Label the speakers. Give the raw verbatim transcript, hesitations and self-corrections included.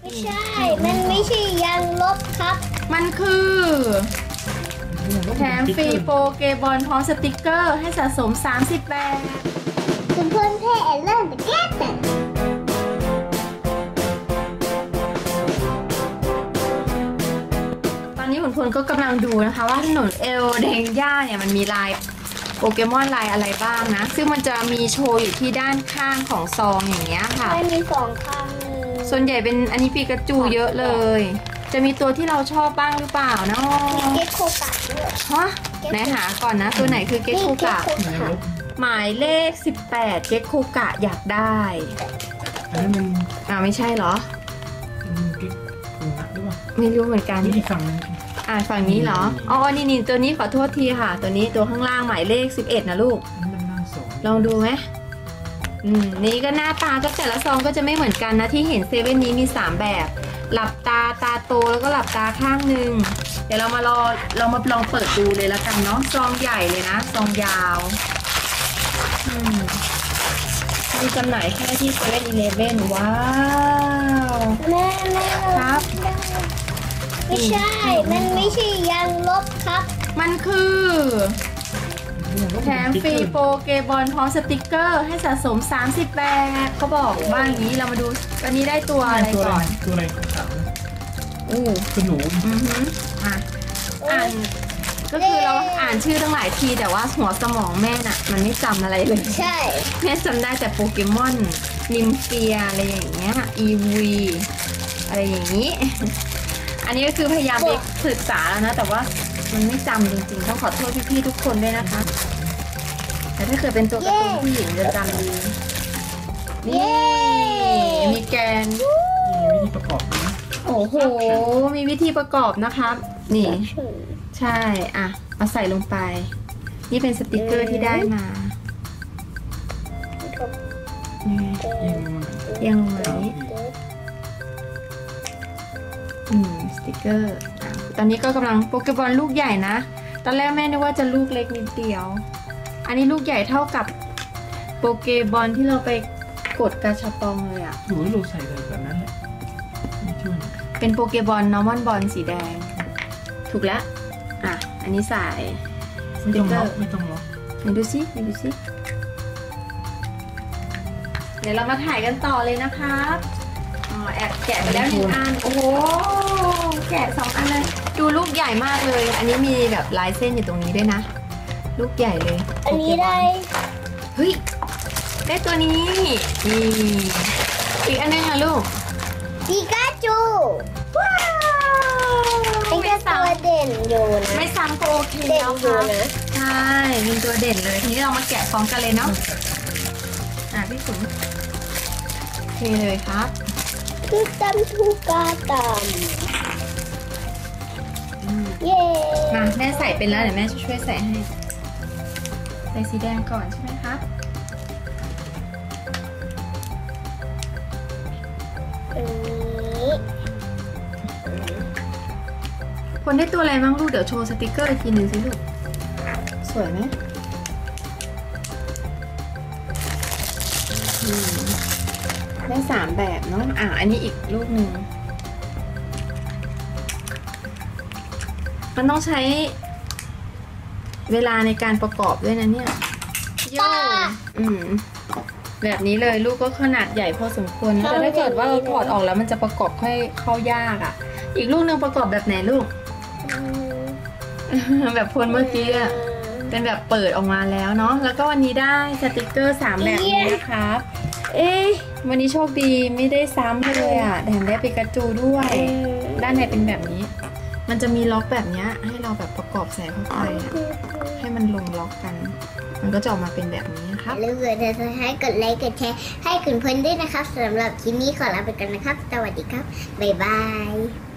Speaker 1: ไม่ใช่ มันไม่ใช่ยางลบครับ
Speaker 2: มันคือแถมฟรีโปเกบอลพร้อมสติกเกอร์ให้สะสมสามสิบแบบ
Speaker 1: คุณเพื่อนเพ่เริ่มไปแก้แต่
Speaker 2: ตอนนี้คุณพลก็กำลังดูนะคะว่าถนนเอลเดงย่าเนี่ยมันมีลายโปเกมอนลายอะไรบ้างนะซึ่งมันจะมีโชว์อยู่ที่ด้านข้างของซองอย่างเงี้ยค่ะ
Speaker 1: ไม่มีสองข้างเลย
Speaker 2: ส่วนใหญ่เป็นอันนี้ปิกาจูเยอะเลยจะมีตัวที่เราชอบบ้างหรือเปล่าเนาะ
Speaker 1: เกคโคกะด้วย
Speaker 2: ฮะไหนหาก่อนนะตัวไหนคือเกคโคกะหมายเลขสิบแปดเกคโคกะอยากได้
Speaker 3: อันนั้นมัน
Speaker 2: อ่าไม่ใช่เหรอ
Speaker 3: เกคโคกะหรือเปล่า
Speaker 2: ไม่รู้เหมือนกัน
Speaker 3: นี่ฝั่ง
Speaker 2: อ่าฝั่งนี้เหรออ๋อนี่นี่ตัวนี้ขอโทษทีค่ะตัวนี้ตัวข้างล่างหมายเลขสิบเอ็ดนะลูกลองดูไหมอืมนี่ก็หน้าตาก็แต่ละซองก็จะไม่เหมือนกันนะที่เห็นเซเว่นนี้มีสามแบบหลับตาตาโตแล้วก็หลับตาข้างหนึ่งเดี๋ยวเรามารอเรามาลองเปิดดูเลยแล้วกันเนาะซองใหญ่เลยนะซองยาวอืมมีจำหน่ายแค่ที่เซเว่นอีเลฟเว่นว้าว
Speaker 1: แม่แม่
Speaker 2: ครับ
Speaker 1: ไม่ใช่ มันไม่ใช่ยางลบครับ
Speaker 2: มันคือแถมฟรีโปเกบอลพร้อมสติกเกอร์ให้สะสมสามสิบแบบเขาบอกบ้างอย่างนี้เรามาดูวันนี้ได้ตัวอะไรก่อน
Speaker 3: ตัวอะไรขาว
Speaker 2: อู้
Speaker 3: คือหนู
Speaker 2: อือฮึอ่ะอ่านก็คือเราอ่านชื่อตั้งหลายทีแต่ว่าหัวสมองแม่น่ะมันไม่จำอะไรเลย
Speaker 1: ใช่
Speaker 2: แม่จำได้แต่โปเกมอนนิมเฟียอะไรอย่างเงี้ยอีวีอะไรอย่างนี้อันนี้ก็คือพยายามไปศึกษาแล้วนะแต่ว่ามันไม่จำจริงๆต้องขอโทษพี่ๆทุกคนด้วยนะคะแต่ถ้าเกิดเป็นตัวการ์ตูนผู้หญิงจะจำดีนี่มีแกน
Speaker 3: มีวิธีประกอบนะ
Speaker 2: โอ้โหมีวิธีประกอบนะคะนี่ใช่อ่ะเอาใส่ลงไปนี่เป็นสติกเกอร์ที่ได้มายังลงมานี้อืมสติกเกอร์ตอนนี้ก็กำลังโปเกมอนลูกใหญ่นะตอนแรกแม่นึกว่าจะลูกเล็กนิดเดียวอันนี้ลูกใหญ่เท่ากับโปเกบอลที่เราไปกดกาชาปองเลยอ่ะ
Speaker 3: หนูลูกใส่เลยแบบนั้นแหละ
Speaker 2: เป็นโปเกบอลนอร์มอนบอลสีแดงถูกแล้วอ่ะอันนี้ใส่สติกเกอร์
Speaker 3: ไม่ต้องล็อก
Speaker 2: ไหนดูซิไหนดูซิเดี๋ยวเรามาถ่ายกันต่อเลยนะครับอ๋อแอบแกะไปแล้วหนึ่งอันโอ้โหแกะสองอันเลยดูลูกใหญ่มากเลยอันนี้มีแบบลายเส้นอยู่ตรงนี้ด้วยนะลูกใหญ่เลย
Speaker 1: อันนี้ได้
Speaker 2: เฮ้ยได้ตัวนี้นี่อีกอันนึงค่ะลูก
Speaker 1: ปิกาจูว้าวเป็นตัวเด่นอยู่นะ
Speaker 2: ไม่ซ้ำก็โอเคแล้วค่ะใช่เป็นตัวเด่นเลยทีนี้เรามาแกะพร้อมกันเลยเนาะอ่ะพี่ขุนโอเคเลยครับ
Speaker 1: คือตั้มทูกาตัมเย้
Speaker 2: มาแม่ใส่เป็นแล้วเดี๋ยวแม่ช่วยใส่ให้ใส่สีแดงก่อนใช่ไหมครับ
Speaker 1: อันนี้
Speaker 2: คนได้ตัวอะไรบ้างลูกเดี๋ยวโชว์สติกเกอร์อีกทีหนึ่งสิลูกสวยไหมได้สามแบบเนาะอ่ะอันนี้อีกลูกหนึ่งมันต้องใช้เวลาในการประกอบด้วยนะเนี่ยโย่อืมแบบนี้เลยลูกก็ขนาดใหญ่พอสมควรแต่ถ้าเกิดว่าเราถอดออกแล้วมันจะประกอบค่อยเข้ายากอ่ะอีกลูกนึงประกอบแบบไหนลูกแบบพลเมื่อกี้อ่ะเป็นแบบเปิดออกมาแล้วเนาะแล้วก็วันนี้ได้สติกเกอร์สามแบบนี้นะครับเอ๊ะวันนี้โชคดีไม่ได้ซ้ำเลยอ่ะแถมได้ปิกาจูด้วยด้านในเป็นแบบนี้มันจะมีล็อกแบบนี้ให้เราแบบประกอบใส่เข้าไปให้มันลงล็อกกันมันก็จะออกมาเป็นแบบนี้นะครับ
Speaker 1: อย่าลืมกดติดตามให้กดไลค์กดแชร์ให้คุณเพื่อนด้วยนะครับสำหรับคลิปนี้ขอลาไปกันนะครับสวัสดีครับบ๊ายบาย